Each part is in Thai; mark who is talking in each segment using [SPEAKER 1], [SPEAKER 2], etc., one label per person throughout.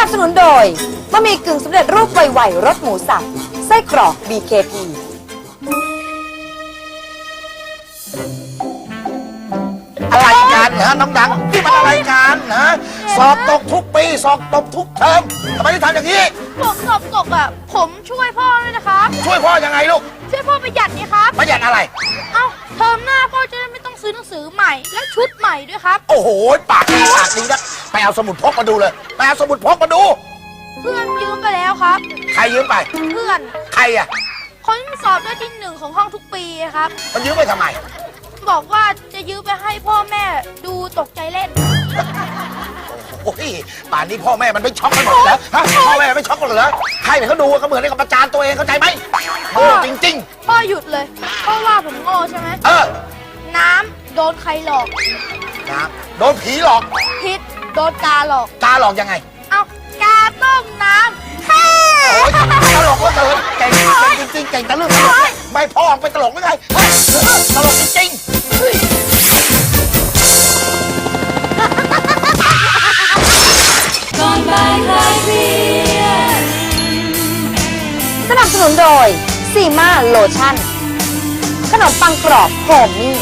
[SPEAKER 1] นับสนุนโดยบะหมี่กึ่งสำเร็จรูปไวๆรสหมูสับไส้กรอก BKP
[SPEAKER 2] อะไรกันฮะน้องดังนี่มันอะไรกันฮะสอบตกทุกปีสอบตกทุกเทอมทำไมถึงทำอย่างนี้
[SPEAKER 3] ผมสอบตกอ่ะผมช่วยพ่อด้วยนะครับ
[SPEAKER 2] ช่วยพ่อยังไงลูก
[SPEAKER 3] ช่วยพ่อประหยัดนี่ครับ
[SPEAKER 2] ประหยัดอะไร
[SPEAKER 3] เอ้าเทอมหน้าพ่อจะได้ไม่ต้องซื้อหนังสือใหม่และชุดใหม่ด้วยครับ
[SPEAKER 2] โอ้โหปากดีนะไปเอาสมุดพกมาดูเลยไปเอาสมุดพกมาดู
[SPEAKER 3] เพื่อนยืมไปแล้วครับ
[SPEAKER 2] ใครยืมไป
[SPEAKER 3] เพื่อน
[SPEAKER 2] ใครอ่ะ
[SPEAKER 3] คนที่สอบได้ที่1ของห้องทุกปีครับ
[SPEAKER 2] มันยืมไปทำไม
[SPEAKER 3] บอกว่าจะยืมไปให้พ่อแม่ดูตกใจเล่น
[SPEAKER 2] โอ้ยป่านนี้พ่อแม่มันไม่ช็อกกันหมดแล้วฮะพ่อแม่ไม่ช็อกกันเหรอใครเนี่ยเขาดูก็เหมือนกับประจานตัวเองเข้าใจไหมโง่จริง
[SPEAKER 3] พ่อหยุดเลยพ่อว่าผมโง่ใช่ไหม น้ำโดนใครหลอก
[SPEAKER 2] นะโดนผีหลอก
[SPEAKER 3] พิษโดนกาหลอก
[SPEAKER 2] ตาหลอกยังไง
[SPEAKER 3] เอากาต้มน้ำแฮ่
[SPEAKER 2] โอ้ยตลกก็เกินเก่งจริงๆเก่งแต่เรื่องตลกไม่พ่อเป็นตลกไม่ไงตลกจริง
[SPEAKER 1] สนับสนุนโดยซีมาโลชั่นขนมปังกรอบโฮมมี่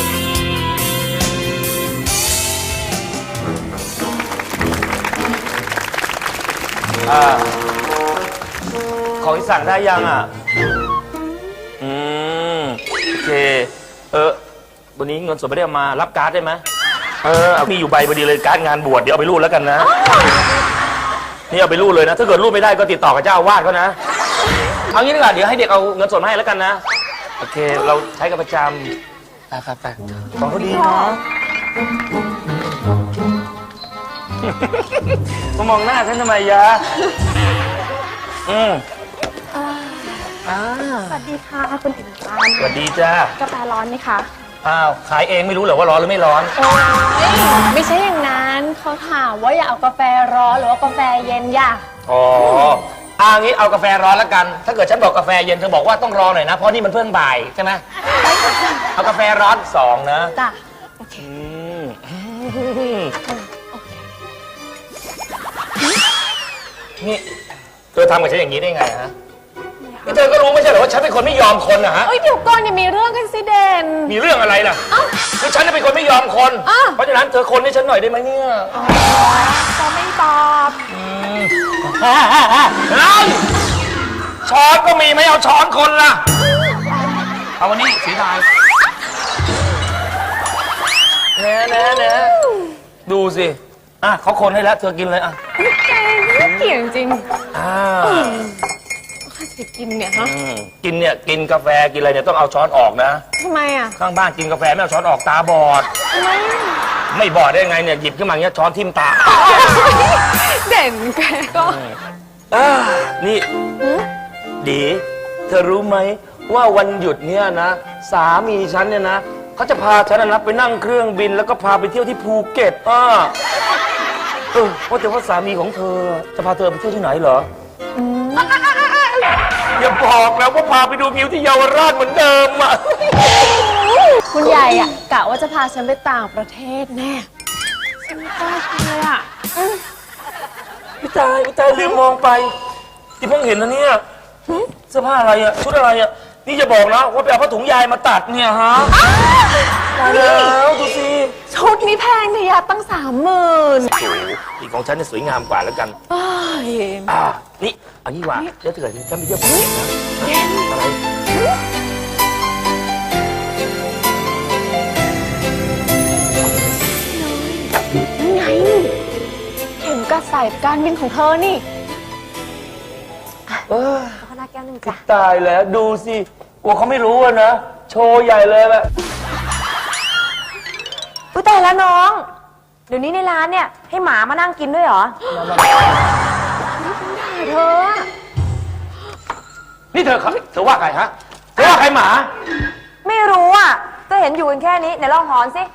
[SPEAKER 4] ของที่สั่งได้ยังอ่ะ โอเค วันนี้เงินสดไม่ได้เอามารับการ์ดได้ไหมมีอยู่ใบพอดีเลยการ์ดงานบวชเดี๋ยวเอาไปรูดแล้วกันนะ นี่เอาไปรูดเลยนะ ถ้าเกิดรูดไม่ได้ก็ติดต่อกับเจ้าอาวาสเขานะ เอางี้ดีกว่าเดี๋ยวให้เด็กเอาเงินสดมาให้แล้วกันนะ โอเค เราใช้กันประจำไปของเขาดีนะมามองหน้าฉันทำไมยะ
[SPEAKER 5] สวัสดีค่ะคุณอิ๋วตาล
[SPEAKER 4] สวัสดีจ้าก
[SPEAKER 5] าแฟร้อนไหมคะ
[SPEAKER 4] อ้าวขายเองไม่รู้เหรอว่าร้อนหรือไม่ร้อน
[SPEAKER 5] ไม่ใช่อย่างนั้นเขาถามว่าอยากเอากาแฟร้อนหรือว่ากาแฟเย็นอยาก
[SPEAKER 4] อ๋องี้เอากาแฟร้อนแล้วกัน ถ้าเกิดฉันบอกกาแฟเย็นเธอบอกว่าต้องรอหน่อยนะเพราะนี่มันเพิ่งบ่ายใช่ไหมเอากาแฟร้อน2นะ
[SPEAKER 5] จ้ะ
[SPEAKER 4] นี่เธอทำกับฉันอย่างนี้ได้ไงฮะนี่เธอก็รู้ไม่ใช่เหรอว่าฉันเป็นคนไม่ยอมคนนะฮะ
[SPEAKER 5] เดี๋ยวก่อนอย่ามีเรื่องกันสิเด่น
[SPEAKER 4] มีเรื่องอะไรล่ะคือฉันเป็นคนไม่ยอมคน เพราะฉะนั้นเธอคนให้ฉันหน่อยได้ไหมเนี่ย
[SPEAKER 5] ก็ไม่ตอบ
[SPEAKER 4] ช้อนก็มีไม่เอาช้อนคนล่ะเอาวันนี้สีดายเนะดูสิเขาคนให้แล้วเธอกินเลย
[SPEAKER 5] เกี่ยงจริงข้าจะกินเนี่ยฮะ
[SPEAKER 4] กินกาแฟกินอะไรเนี่ยต้องเอาช้อนออกนะ
[SPEAKER 5] ทำไมอ่ะ
[SPEAKER 4] ข้างบ้านกินกาแฟไม่เอาช้อนออกตาบอด
[SPEAKER 5] ทำไม
[SPEAKER 4] ไม่บอดได้ไงเนี่ยหยิบขึ้นมาอย่างเงี้ยช้อนทิ่มตา
[SPEAKER 5] เด่นแกก็
[SPEAKER 4] นี่ดีเธอรู้ไหมว่าวันหยุดเนี่ยนะสามีฉันเนี่ยนะเขาจะพาฉันนะไปนั่งเครื่องบินแล้วก็พาไปเที่ยวที่ภูเก็ตว่าแต่ว่าสามีของเธอจะพาเธอไปเที่ยวที่ไหนเหรออย่าบอกแล้วว่าพาไปดูงิ้วที่เยาวราชเหมือนเดิมอ่ะ
[SPEAKER 5] คุณใหญ่อ่ะกะว่าจะพาฉันไปต่างประเทศแน่ฉันไม่กล้าเลยอ่ะ
[SPEAKER 4] พี่ตายลืมมองไปที่เพิ่งเห็นนะเนี่ยเสื้อผ้าอะไรอ่ะชุดอะไรอ่ะนี่จะบอกนะว่าไปเอาผ้าถุงยายมาตัดเนี่ยฮะแล้วดูสิ
[SPEAKER 5] ชุดนี้แพงเนี่ยตั้ง30,000
[SPEAKER 4] อีกของฉันเนี่ยสวยงามกว่าแล้วกันนี่เอางี้ว่าเดี๋ยวเกิดฉันไปเที่ยวภูเก็ตนะอะไร
[SPEAKER 5] ไงเข็มกระสายการบินของเธอนี่
[SPEAKER 1] ขนาดแก้วหนึ่งจ้ะ
[SPEAKER 4] ตายแล้วดูสิว่าเขาไม่รู้นะโชว์ใหญ่เลยแบบ
[SPEAKER 1] อุ้ยตายแล้วน้องเดี๋ยวนี้ในร้านเนี่ยให้หมามานั่งกินด้วยเหรอ
[SPEAKER 5] เธอ
[SPEAKER 4] นี่เธอว่าใครฮะเธอว่าใครหมา
[SPEAKER 1] ไม่รู้อ่ะก็เห็นอยู่กันแค่นี้ไหนลองหอนสิ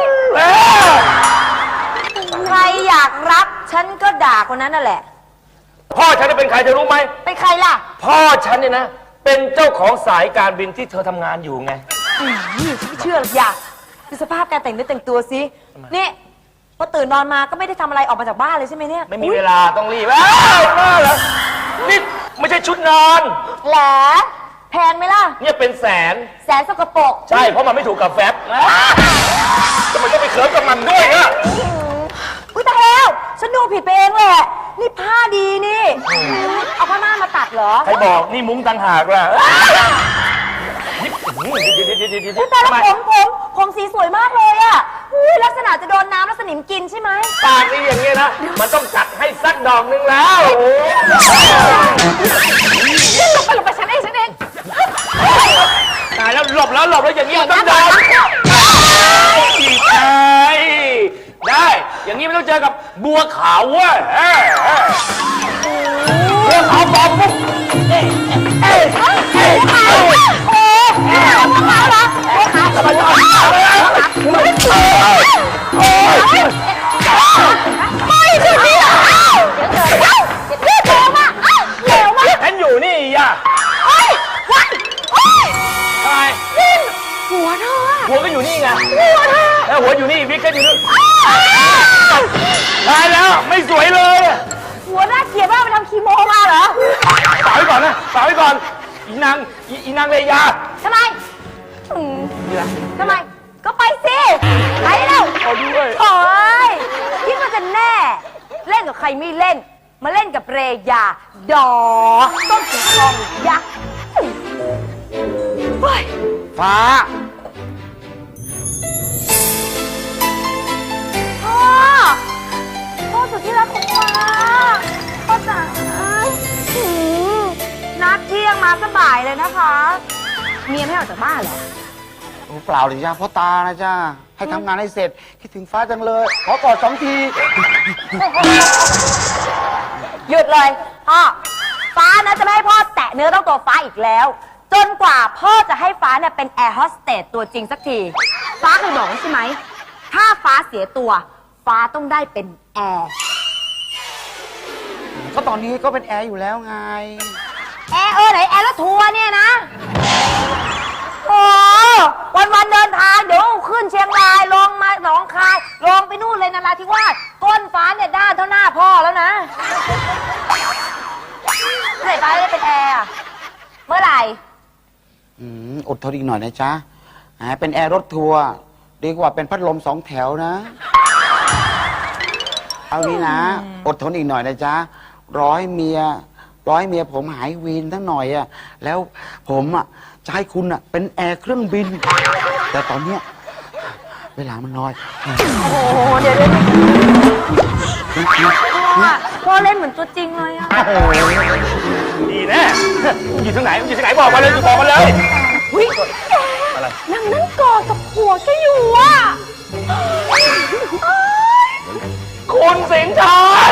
[SPEAKER 1] ใครอยากรับฉันก็ด่าคนนั้นนั่นแหละ
[SPEAKER 4] พ่อฉันจะเป็นใครเธอรู้ไหม
[SPEAKER 1] เป็นใครล่ะ
[SPEAKER 4] พ่อฉันเนี่ยนะเป็นเจ้าของสายการบินที่เธอทำงานอยู่ไง
[SPEAKER 1] ไม่เชื่อหรอกอยากดูสภาพการแต่งเนื้อแต่งตัวสินี่
[SPEAKER 6] พอตื่นนอนมาก็ไม่ได้ทำอะไรออกมาจากบ้านเลยใช่ไหมเนี่ย
[SPEAKER 4] ไม่มีเวลาต้องรีบอ้าวมาแล้วนี่ไม่ใช่ชุดนอน
[SPEAKER 6] แหละแพงไหมล่ะ
[SPEAKER 4] เนี่ยเป็นแสน
[SPEAKER 6] แสนสกปรก
[SPEAKER 4] ใช่เพราะมันไม่ถูกกับแฟบทำไมต้องไปเขินกับมันด้วยอะ
[SPEAKER 6] อุ้ยตายแล้วฉันดูผิดไปเองแหละนี่ผ้าดีนี่เอาผ้าม่านมาตัดเหรอ
[SPEAKER 4] ใครบอกนี่มุ้งต่างหากล่ะ
[SPEAKER 6] อุ๊ยแต่ละผมสีสวยมากเลยอ่ะอุ้ยลักษณะจะโดนน้ำแล้วสนิมกินใช่ไหม
[SPEAKER 4] ปากนี่อย่างเงี้ยนะ มันต้องจัดให้สักดอกหนึงแล้ว
[SPEAKER 6] หลบไปฉันเอง
[SPEAKER 4] ตายแล้วหลบแล้วอย่างนี้มันต้องโดนอีกไงได้ อย่างนี้ไม่ต้องเจอกับบัวขาวเว้ยบัวขาวปลอมปุ๊บฉันอยู่นี่อ่ะทำไมหัวเธอหัวก็อยู่นี่ไงหัวอยู่นี่วิกก็อยู่นู่นตายแล้วไม่สวยเลย
[SPEAKER 6] หัวหน้าเกลียดมากไปทำคีโมมาเหรอ
[SPEAKER 4] ฝากไว้ก่อนนะฝากไว้ก่อนอีนางเลยา
[SPEAKER 6] ทำไมทำไมก็ไปสิไปแล้ว
[SPEAKER 4] เอาด้วย
[SPEAKER 6] โอ้ยคิดว่าจะแน่ เล่นกับใครไม่เล่น มาเล่นกับเรยา ดอต้นสีทองยักษ์เฮ้ย
[SPEAKER 2] ฟ้า
[SPEAKER 6] พ่อสุดที่รักของฟ้าพ่อจ๋านัดเที่ยงมาสบายเลยนะคะ เมียไม่ออกจากบ้านเหรอ
[SPEAKER 2] เปล่าเลยจ้าพ่อตานะจ้าให้ทำงานให้เสร็จคิดถึงฟ้าจังเลย ขอกอด2 ที
[SPEAKER 6] หยุดเลยพ่อฟ้านะจะไม่ให้พ่อแตะเนื้อต้องตัวฟ้าอีกแล้ว จนกว่าพ่อจะให้ฟ้าเนี่ยเป็นแอร์โฮสเตสตัวจริงสักที ฟ้าเคยบอกใช่ไหมถ้าฟ้าเสียตัว ฟ้าต้องได้เป็นแอร์
[SPEAKER 2] ก็ตอนนี้ก็เป็นแอร์อยู่แล้วไง
[SPEAKER 6] แอร์ไหนแอร์รถทัวร์เนี่ยนะโอ้วันเดินทางเดี๋ยวขึ้นเชียงรายลงมาหนองคายลงไปนู่นเลยนราธิวาสก้นฟ้าเนี่ยด้านเท่าหน้าพ่อแล้วนะเมื่อไหร่ฟ้าจะได้เป็นแอร์อะเมื่อไหร่
[SPEAKER 2] อดทนอีกหน่อยนะจ๊ะเป็นแอร์รถทัวร์ดีกว่าเป็นพัดลม2 แถวนะ เอานี้นะ อดทนอีกหน่อยนะจ๊ะรอให้เมียผมหายวีนทั้งหน่อยอะแล้วผมอะจะให้คุณอะเป็นแอร์เครื่องบิน แต่ตอนเนี้ยเวลามันน้อย
[SPEAKER 6] โอ้โหเดี๋ยวพ่อเล่นเหมือนตัวจริงเลยอะ
[SPEAKER 4] ดีแน่อยู่ที่ไหนบอกมาเลยบอกมาเลย
[SPEAKER 6] วินางนั่งกอดกับผัวแกอยู่อะ
[SPEAKER 4] คุณสิงห์ชอน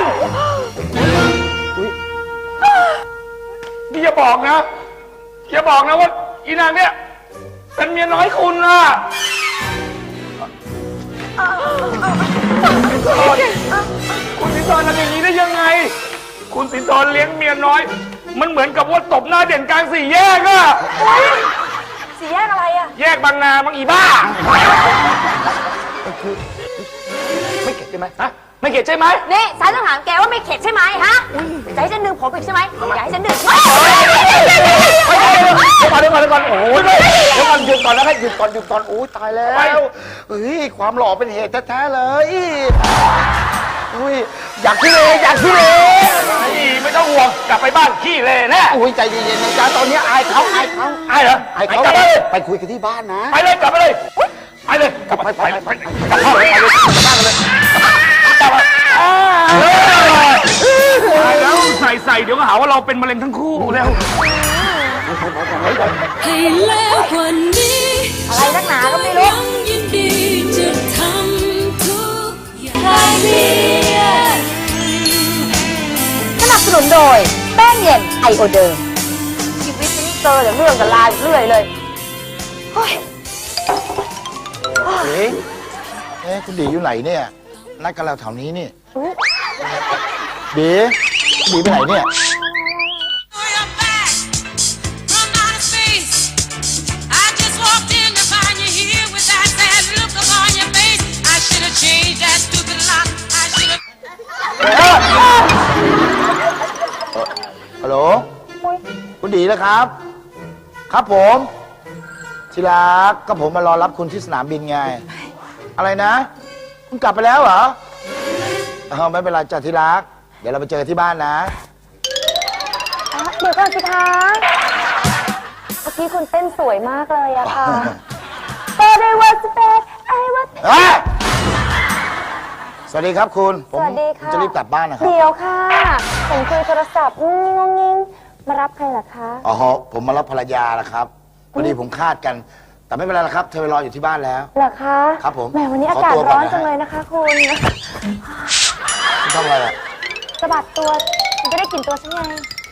[SPEAKER 4] นี่อย่าบอกนะว่าอีนางเนี่ยเป็นเมียน้อยคุณนะคุณสิงห์ชอนทำอย่างนี้ได้ยังไง คุณสิงห์ชอนเลี้ยงเมียน้อย มันเหมือนกับว่าตบหน้าเด่นกลาง4 แยกอะ
[SPEAKER 6] สี่แยกอะไรอะ
[SPEAKER 4] แยกบางนาบางอีบ้าไม่เข็ดใช่ไหมฮะไม่เข็ดใช่ไหม
[SPEAKER 6] นี่ฉันต้องถามแกว่าไม่เข็ดใช่ไหมฮะจะให้ฉันดึงผมอีกใช่ไหมอยากให้ฉันดึง
[SPEAKER 4] เดี๋ยวก่อนโอ้ยเดี๋ยวก่อนหยุดก่อนนะครับหยุดก่อน
[SPEAKER 2] โอ้ยตายแล้วเฮ้ยความหล่อเป็นเหตุแท้ๆเลยอุ้ยอยากขี้เลย
[SPEAKER 4] ไม่ต้องห่วงกลับไปบ้านขี้เลยแน่
[SPEAKER 2] อุ้ยใจเย็นๆนะจ๊ะตอนนี้อายเขา
[SPEAKER 4] ไอ้เหรอ
[SPEAKER 2] อายเขา
[SPEAKER 4] กลับไปเลย
[SPEAKER 2] ไปคุยกันที่บ้านนะ
[SPEAKER 4] ไปเลยกลับไปเลยกลับบ้านเลยกลับบ้านแล้วใส่เดี๋ยวก็หาว่าเราเป็นมะเร็งทั้งคู่แล้ว
[SPEAKER 7] ให้แล้วกว่านี้
[SPEAKER 6] อะไรนักหนาก็ไม่รู้
[SPEAKER 7] ยังยินดีจะทำทุกอย่าง
[SPEAKER 6] สนับสนุนโดยแป้งเย็นไอโอเดิมชีวิตนี้เจอแต่เรื่องกับลายเรื่อยเลยเฮ้ย
[SPEAKER 2] คุณดีอยู่ไหนเนี่ยนัดกันเราแถวนี้นี่ดีไปไหนเนี่ย
[SPEAKER 7] Your back from outer space. I just walked in to find you here with that sad look upon your face. I should have changed that stupid lock
[SPEAKER 8] ดีนะครับ ครับผมที่รักก็ผมมารอรับคุณที่สนามบินไง อะไรนะ คุณกลับไปแล้วเหรอไม่เป็นไรจ้ะที่รัก เดี๋ยวเราไปเจอที่บ้านนะ
[SPEAKER 6] เดี๋ยวก่อนสิคะเมื่อกี้คุณเต้นสวยมากเลยอะค่ะ But I was bad I was
[SPEAKER 8] สวัสดีครับคุณผ
[SPEAKER 6] ส
[SPEAKER 8] ม
[SPEAKER 6] วัสดีค่ะ
[SPEAKER 8] จะรีบกลับบ้านนะครับ
[SPEAKER 6] เดี๋ยวค่ะ ผมคุยโทรศัพท์งงงิงมารับใครเหรอคะ
[SPEAKER 8] อ๋อผมมารับภรรยาละครับพอดีผมคาดกัน แต่ไม่เป็นไรละครับ เธอไปรออยู่ที่บ้านแล้ว
[SPEAKER 6] เหรอคะ
[SPEAKER 8] ครับผม
[SPEAKER 6] แหมวันนี้
[SPEAKER 8] ข
[SPEAKER 6] อา
[SPEAKER 8] อก
[SPEAKER 6] าศ
[SPEAKER 8] ตัวก่
[SPEAKER 6] ร้
[SPEAKER 8] อ
[SPEAKER 6] อน น
[SPEAKER 8] นะฮะ
[SPEAKER 6] จังเลยนะคะคุณ
[SPEAKER 8] คุณทำอะไรอ่ะ
[SPEAKER 6] สะบัดตัวคุณจะได้กลิ่นตัวฉันไง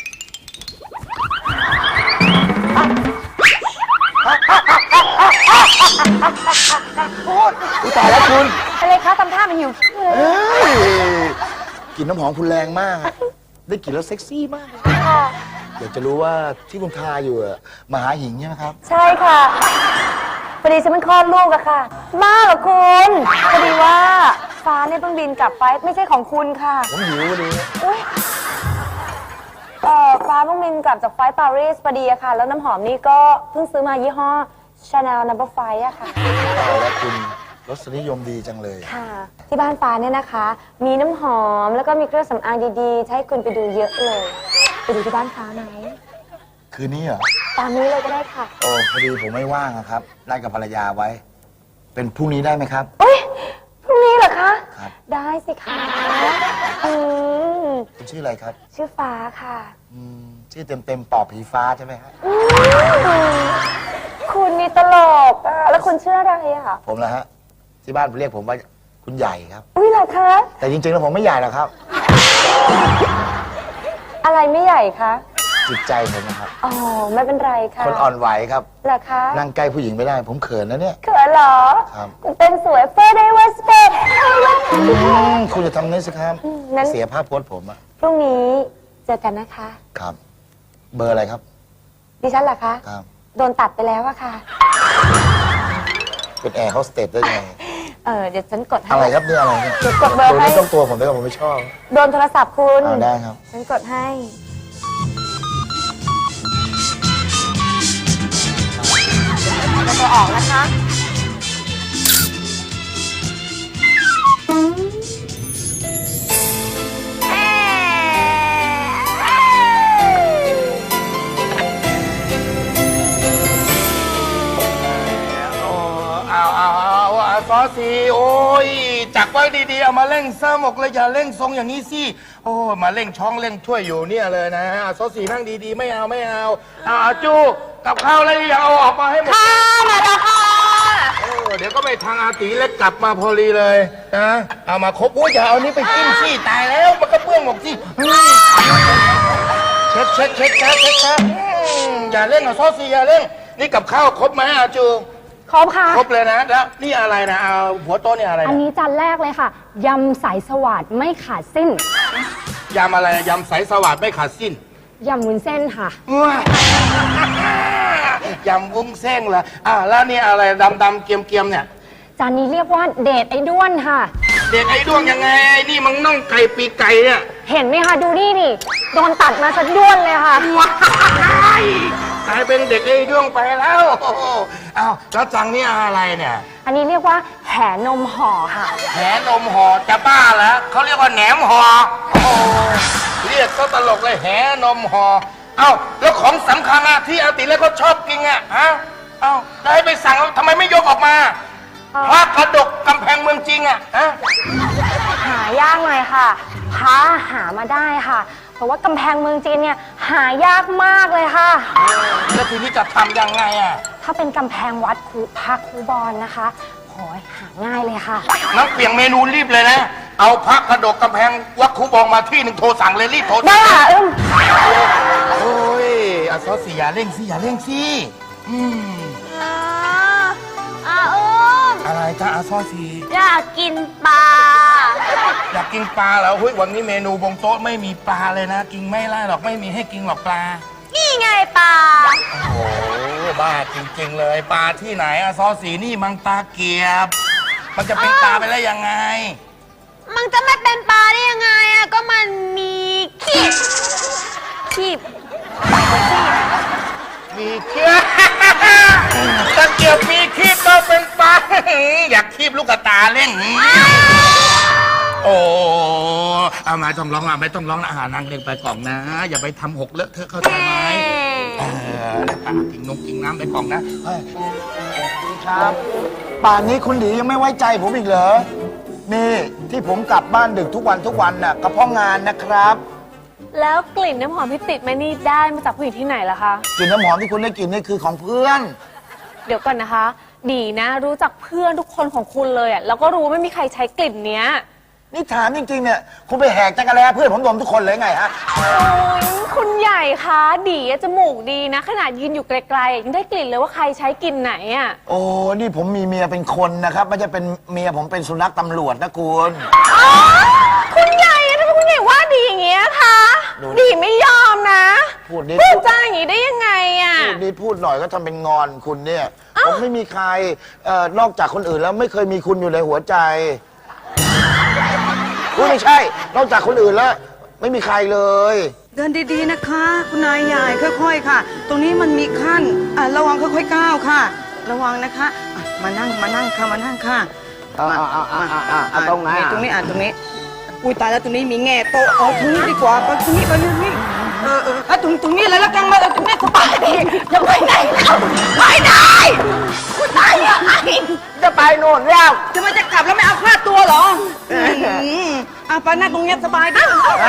[SPEAKER 8] อุ๊ยตายแล้วคุณ
[SPEAKER 6] อะไรคะทำท่ามันหิวเลย
[SPEAKER 8] เฮ้ยกลิ่นน้ำหอมคุณแรงมากอะได้กลิ่นแล้วเซ็กซี่มากเลย
[SPEAKER 6] ค่ะ
[SPEAKER 8] อยากจะรู้ว่าที่คุณทาอยู่อะมหาหิงใช่ไหมครับ
[SPEAKER 6] ใช่ค่ะพอดีฉันมันคลอดลูกอะค่ะบ้าเหรอคุณพอดีว่าฟ้าเนี่ยเพิ่งบินกลับไปไม่ใช่ของคุณค่ะ
[SPEAKER 8] ผมหิววันนี้
[SPEAKER 6] อุ๊ยฟ้าเพิ่งบินกลับจากไฟล์ปารีสพอดีอะค่ะ แล้วน้ำหอมนี่ก็เพิ่งซื้อมายี่ห้อ Chanel No. 5อะค่ะ
[SPEAKER 8] ตายแล้วคุณรสนิยมดีจังเลย
[SPEAKER 6] ค่ะ ที่บ้านฟ้าเนี่ยนะคะ มีน้ำหอมแล้วก็มีเครื่องสำอางดีๆจะให้คุณไปดูเยอะเลยไปดูที่บ้านฟ้าไหม
[SPEAKER 8] คืนนี้เหรอ
[SPEAKER 6] ตามนี้เลยก็ได้ค่ะ
[SPEAKER 8] โอ้พอดีผมไม่ว่างอะครับนัดกับภรรยาไว้ เป็นพรุ่งนี้ได้ไหมครับ
[SPEAKER 6] เอ้ยพรุ่งนี้เหรอคะ
[SPEAKER 8] ครับ
[SPEAKER 6] ได้สิคะอืม
[SPEAKER 8] คุณชื่ออะไรครับ
[SPEAKER 6] ชื่อฟ้าค่ะ
[SPEAKER 8] ชื่อเต็มๆปอบผีฟ้าใช่ไหมครับ
[SPEAKER 6] อืมคุณนี่ตลกอะแล้วคุณชื่ออะไรอะ
[SPEAKER 8] ผมนะฮะที่บ้านเรียกผมว่าคุณใหญ่ครับ
[SPEAKER 6] อุ้ยเหรอคะ
[SPEAKER 8] แต่จริงๆแล้วผมไม่ใหญ่หรอกครับ
[SPEAKER 6] อะไรไม่ใหญ่คะ
[SPEAKER 8] จิตใจผมนะครับ
[SPEAKER 6] อ๋อไม่เป็นไรค่ะ
[SPEAKER 8] คนอ่อนไหวครับ
[SPEAKER 6] เหรอคะ
[SPEAKER 8] นั่งใกล้ผู้หญิงไม่ได้ ผมเขินนะเนี่ย
[SPEAKER 6] เขินเหรอ
[SPEAKER 8] ครับ
[SPEAKER 6] คุณเต้นสวยเฟอร์เดวัสเปด
[SPEAKER 8] คุณจะทำนี้สิครับ
[SPEAKER 6] นั้น
[SPEAKER 8] เสียภาพพจน์ผมอะ
[SPEAKER 6] พรุ่งนี้เจอกันนะคะ
[SPEAKER 8] ครับ เบอร์อะไรครับ
[SPEAKER 6] ดิฉันเหรอคะ
[SPEAKER 8] ครับ
[SPEAKER 6] โดนตัดไปแล้วอะค่ะ
[SPEAKER 8] เป็นแอร์โฮสเตสได้ไง
[SPEAKER 6] เดี๋ยวฉันกดให้
[SPEAKER 8] อะไรครับเนี่ยอะไรเนี่ย
[SPEAKER 6] เดี๋ยวกดเบอร์
[SPEAKER 8] ตัว
[SPEAKER 6] ให้
[SPEAKER 8] นี้ต้องตัวผมด้วยผมไม่ชอบ
[SPEAKER 6] โดนโทรศัพท์คุณ
[SPEAKER 8] ได้ครับ
[SPEAKER 6] ฉันกดให้จะออกนะคะ
[SPEAKER 4] เอาซอสีโอ้ยจักไว้ดีๆเอามาเร่งเสมกเลยอย่าเร่งทรงอย่างนี้สิโอ้มาเร่งช่องเร่งถ้วยอยู่เนี่ยเลยนะเอาซอสีนั่งดีๆไม่เอาเอาจูกับข้าวอะไรอย่างเอาออกมาให้หมดค่ะมาแล้วค่ะเดี๋ยวก็ไปทางอาตีเล็กกลับมาพอดีเลยนะเอามาครบโอ้ยอย่าเอานี้ไปกินสิตายแล้วมันก็เปื้อนหมดสิเช็ดอย่าเร่งเอาซอสีอย่าเร่งนี่กับข้าวครบไหมอาจู
[SPEAKER 5] ครบค่ะ
[SPEAKER 4] ครบเลยนะแล้วนี่อะไรนะเอาหัวโต๊ะนี่อะไร
[SPEAKER 5] อัน
[SPEAKER 4] นะ
[SPEAKER 5] นี้จานแรกเลยค่ะ ยำสายสวัสดไม่ขาดสิ้น
[SPEAKER 4] ยำอะไรยำใสสวัสดไม่ขาดสิ้น
[SPEAKER 5] ยำวุ้นเส้นค่ะ
[SPEAKER 4] ยำวุ้งเส้นเหรอแล้วนี่อะไรดำๆเกรียมๆเนี่ย
[SPEAKER 5] จานนี้เรียกว่าเดทไอ้ด้วนค่ะ
[SPEAKER 4] เด็กไอ้ด้วงยังไงไอ้นี่มันน่องไก่ปีกไก่เนี่ย
[SPEAKER 5] เห็นไหมคะ ดูนี่ดิโดนตัดมาซะด้วนเลยค่ะ
[SPEAKER 4] ว้ายกลายเป็นเด็กไอ้ด้วงไปแล้วอ้าวแล้วจังนี่อะไรเนี่ย
[SPEAKER 5] อันนี้เรียกว่าแหนมห่อค่ะ
[SPEAKER 4] แหนมห่อจะบ้าแล้วเขาเรียกว่าแหนมห่อโอ้เรียกซะตลกเลยแหนมห่อเอ้าแล้วของสำคัญอะที่อาติเล็กเขาชอบกินอะฮะเอ้าได้ไปสั่งทำไมไม่ยกออกมาพระกระดกกำแพงเมืองจริงอะฮะ
[SPEAKER 5] หายากหน่อยค่ะพระหามาได้ค่ะ เพราะว่ากำแพงเมืองจีนเนี่ยหายากมากเลยค่ะ
[SPEAKER 4] แล้วทีนี้จะทำยังไงอะ
[SPEAKER 5] ถ้าเป็นกำแพงวัดพระครูบอลนะคะโหยหาง่ายเลยค่ะ
[SPEAKER 4] น้ำเปลี่ยนเมนูรีบเลยนะ เอาพระกระดกกำแพงวัดคูบองมาที่หนึ่งโทรสั่งเลยรีบโทร
[SPEAKER 5] ได้ค่ะ
[SPEAKER 4] โอ้ยอาซอสีอย่าเร่งสิอย่าเร่งสิอืมอะไรจ้าอาซอสี
[SPEAKER 3] อยากกินปลา
[SPEAKER 4] อยากกินปลาเหรอเฮ้ยวันนี้เมนูบนโต๊ะไม่มีปลาเลยนะ กินไม่ได้หรอกไม่มีให้กินหรอกปลา
[SPEAKER 3] นี่ไงปลา
[SPEAKER 4] โอ้โหบ้าจริงๆเลยปลาที่ไหนอาซอสีนี่มังตาเกียบ มันจะเป็นปลาไปได้ยังไง
[SPEAKER 3] มันจะไม่เป็นปลาได้ยังไงอะก็มันมีขีบ
[SPEAKER 9] เล่นโอ้เอามาต้องร้องอ่ะไม่ต้องร้องนะนั่งเล่นไปกล่องนะ อย่าไปทำหกเลอะเทอะเข้าใจไหมกินนมกินน้ำไปกล่องนะ
[SPEAKER 8] ครับ ป่านนี้คุณดียังไม่ไว้ใจผมอีกเหรอ นี่ที่ผมกลับบ้านดึกทุกวันน่ะก็เพราะงานนะครับ
[SPEAKER 5] แล้วกลิ่นน้ำหอมที่ติดมานี่ได้มาจากผู้หญิงที่ไหนล่ะคะ
[SPEAKER 8] กลิ่นน้ำหอมที่คุณได้กลิ่นนี่คือของเพื่อน
[SPEAKER 5] เดี๋ยวก่อนนะคะ ดีนะ รู้จักเพื่อนทุกคนของคุณเลยอ่ะแล้วก็รู้ไม่มีใครใช้กลิ่นเนี้ย
[SPEAKER 8] นี่ถามจริงๆเนี่ยคุณไปแหกจักรแล้เพื่อนผมดมทุกคนเลยไงฮะ
[SPEAKER 5] โอ้ยคุณใหญ่คะดีอะจมูกดีนะ ขนาดยืนอยู่ไกลๆยังได้กลิ่นเลยว่าใครใช้กลิ่นไหนอ่ะ
[SPEAKER 8] โอ้นี่ผมมีเมียเป็นคนนะครับไม่ใช่เป็นเมียผมเป็นสุนัขตำรวจนะคุณ
[SPEAKER 5] คุณใหญ่ทำไมคุณใหญ่ว่าดีอย่างเงี้ยคะ ดีไม่ยอมนะ
[SPEAKER 8] พูดนิด
[SPEAKER 5] พูดจาอย่างงี้ได้ยังไงอ่ะ
[SPEAKER 8] พูดนิดพูดหน่อยก็ทำเป็นงอนคุณเนี่ย ผมไม่มีใครนอกจากคนอื่นแล้วไม่เคยมีคุณอยู่ในหัวใจไม่ใช่ นอกจากคนอื่นแล้ว ไม่มีใครเลย
[SPEAKER 10] เดินดีๆนะคะ คุณนายใหญ่ค่อยๆค่ะ ตรงนี้มันมีขั้นระวังค่อยๆก้าวค่ะ ระวังนะคะมานั่งค่ะมานั่งค่ะตรงไหนตรงนี้ตรงนี้อุ้ยตายแล้วตรงนี้มีแง่โตเอาตรงนี้ดีกว่าไปตรงนี้ตรงนี้เลยแล้วกันมาตรงนี้สบายดีจะไปไหนแล้วไม่ได้คุณนายใหญ่จะไปโน่นแล้วจะมาจะกลับแล้วไม่เอาค่าตัวเหรอไปนั่งตรงนี้สบายดี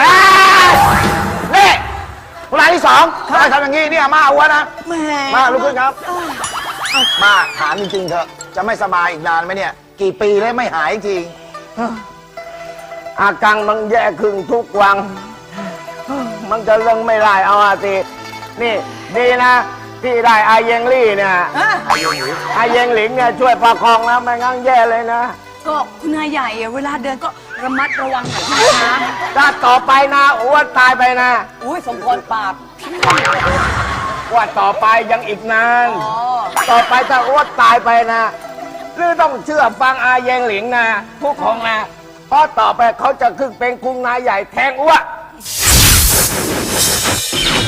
[SPEAKER 8] นี่ผู้รายที่สองทำไมทำอย่างนี้เนี่ยมาเอาวะนะ
[SPEAKER 10] แหม
[SPEAKER 8] มาลุกขึ้นครับ มาถามจริงๆเถอะจะไม่สบายอีกนานไหมเนี่ย กี่ปีแล้วไม่หายจริง
[SPEAKER 11] อาการมันแย่ขึ้นทุกวัน มันจะเรื่องไม่ได้เอาอาทินี่ดีนะ ที่ได้อาเยงลี่เนี่ยอาเยงหลิงเนี่ยช่วยประคองนะไม่งั้นแย่เลยนะ
[SPEAKER 10] ก็คุณนายใหญ่เวลาเดินก็ระมัดระวังหน่อยนะคะ
[SPEAKER 11] ถ้าต่อไปนะอ้วนตายไปนะ
[SPEAKER 10] อุ้ยสมพรปราบ
[SPEAKER 11] ว่าต่อไปยังอีกนานต่อไปถ้าอ้วนตายไปนะหรือต้องเชื่อฟังอาเยงหลิงนะผู้ของนะเพราะต่อไปเขาจะขึ้นเป็นคุงนายใหญ่แทงอ้วน